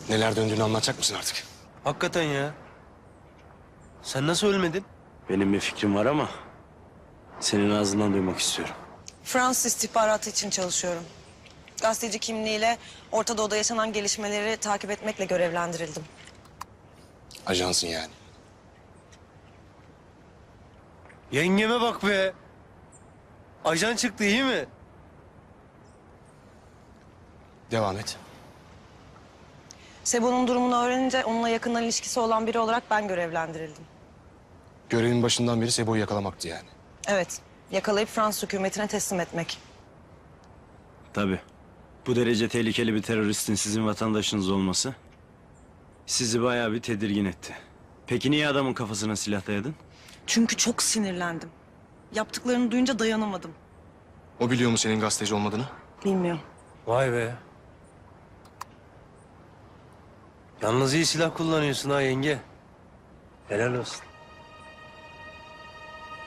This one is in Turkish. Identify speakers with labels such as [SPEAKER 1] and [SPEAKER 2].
[SPEAKER 1] Neler döndüğünü anlatacak mısın artık?
[SPEAKER 2] Hakikaten ya. Sen nasıl ölmedin?
[SPEAKER 3] Benim bir fikrim var ama senin ağzından duymak istiyorum.
[SPEAKER 4] Fransız istihbaratı için çalışıyorum. Gazeteci kimliğiyle Orta Doğu'da yaşanan gelişmeleri takip etmekle görevlendirildim.
[SPEAKER 1] Ajansın yani.
[SPEAKER 2] Yengeme bak be. Ajan çıktı, iyi mi?
[SPEAKER 1] Devam et.
[SPEAKER 4] Sebo'nun durumunu öğrenince onunla yakından ilişkisi olan biri olarak ben görevlendirildim.
[SPEAKER 1] Görevin başından beri Sebo'yu yakalamaktı yani.
[SPEAKER 4] Evet, yakalayıp Fransız hükümetine teslim etmek.
[SPEAKER 3] Tabii. Bu derece tehlikeli bir teröristin sizin vatandaşınız olması sizi bayağı bir tedirgin etti. Peki niye adamın kafasına silah dayadın?
[SPEAKER 4] Çünkü çok sinirlendim. Yaptıklarını duyunca dayanamadım.
[SPEAKER 1] O biliyor mu senin gazeteci olmadığını?
[SPEAKER 4] Bilmiyorum.
[SPEAKER 2] Vay be. Yalnız iyi silah kullanıyorsun ha yenge. Helal olsun.